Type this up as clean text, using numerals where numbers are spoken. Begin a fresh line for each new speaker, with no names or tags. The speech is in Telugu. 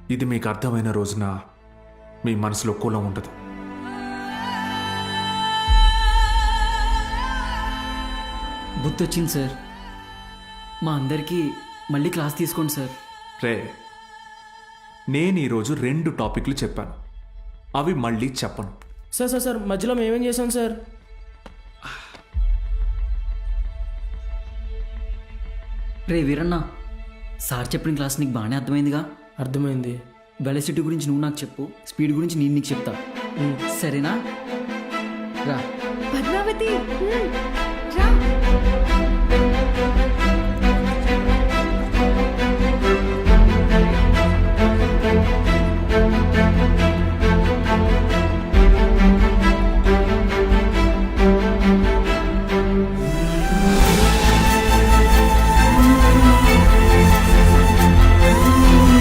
ఇది మీకు అర్థమైన రోజున మీ మనసులో కులం ఉండదు.
బుద్ధి వచ్చింది సార్. మా అందరికీ మళ్ళీ క్లాస్ తీసుకోండి సార్.
రే, నేను ఈరోజు 2 టాపిక్లు చెప్పాను, అవి మళ్ళీ చెప్పను.
సార్ సార్ సార్ మధ్యలో మేమేం చేసాం సార్?
రే వీరన్న, సార్ చెప్పిన క్లాస్ నీకు బాగానే అర్థమైందిగా?
అర్థమైంది.
వెలసిటీ గురించి నువ్వు నాకు చెప్పు, స్పీడ్ గురించి నేను నీకు చెప్తా. సరేనా? రా.
పద్మావతి రా.